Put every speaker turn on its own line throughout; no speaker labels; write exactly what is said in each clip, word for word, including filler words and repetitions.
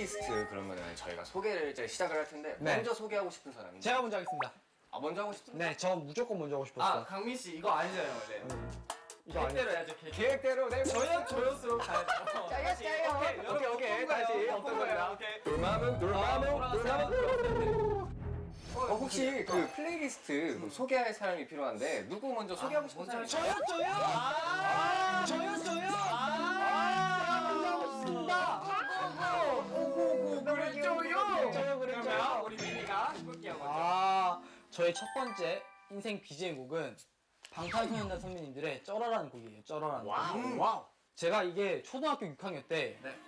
플레이리스트 그러면은 저희가 소개를 이제 시작을 할 텐데
네.
먼저 소개하고 싶은 사람이
제가 먼저 하겠습니다.
아 먼저 하고 싶습니다.
네, 저 무조건 먼저 하고
아
싶었어요.
강민 씨 이거 아니잖아요 원래.
이거 아니-
계획대로 해야죠. 계획.
계획대로 네.
저요 저요스로 가야죠.
짜요 짜요.
오케이
오케이 오케이 다시 어떤 거야?
오케이.
돌마문 돌마문 돌마문. 어, 혹시 그 플레이리스트 뭐 소개할 사람이 필요한데 누구 먼저 소개하고 싶은 사람이 있어요?
저요, 저요! 아, 저요, 저요! 아, 먼저 하고 싶습니다.
오고고 그랬죠요.
저요,
그러면
그랬죠.
우리 미니가 해볼게요 먼저.
아, 저의 첫 번째 인생 비지엠 곡은 방탄소년단 선배님들의 쩔어라는 곡이에요. 쩔어라는 곡.
와우 와우.
제가 이게 초등학교 육 학년 때
네.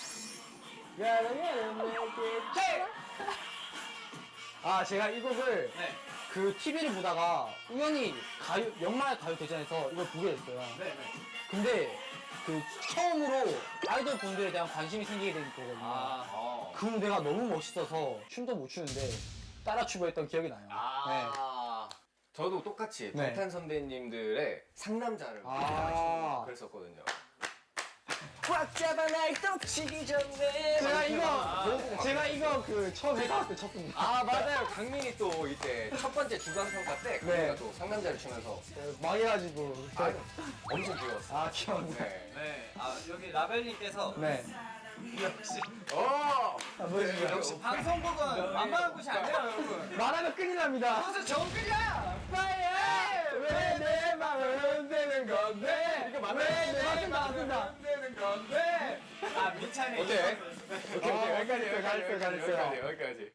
아, 제가 이 곡을
네.
그 티비를 보다가 우연히 가요, 연말 가요 대전에서 이걸 보게 됐어요.
네. 네.
근데 그 처음으로 아이돌 분들에 대한 관심이 생기게 된 거거든요.
아.
어.
그 무대가 너무 멋있어서 춤도 못 추는데 따라 추고 했던 기억이 나요.
아. 저도 똑같이
네.
방탄 선배님들의 상남자를
아.
그랬었거든요.
꽉 잡아 날 떡치기 전에 제가 이거 제가 이거 그 처음 회사 때 쳤습니다.
아 맞아요. 강민이 또 이때 첫 번째 주간 평가 때 강민이가
네.
또 상남자를 추면서
망해가지고
아, 엄청 귀여웠어요.
아 귀여운데.
네.
네. 아 여기 라벨님께서
네.
역시
어.
아, 뭐지?
역시 방송국은 만만한 곳이 아니에요 여러분.
말하면 큰일 납니다.
그래서 정글이야.
왜 내 맘을 흔드는 건데?
이거 맞나?
왜 맞습니다, 맞습니다.
흔드는 건데. 아 민찬이.
오케이. 오케이
아,
오케이 여기까지
잘했어요,
여기까지
잘했어요,
여기까지
잘했어요.
여기까지 여기까지.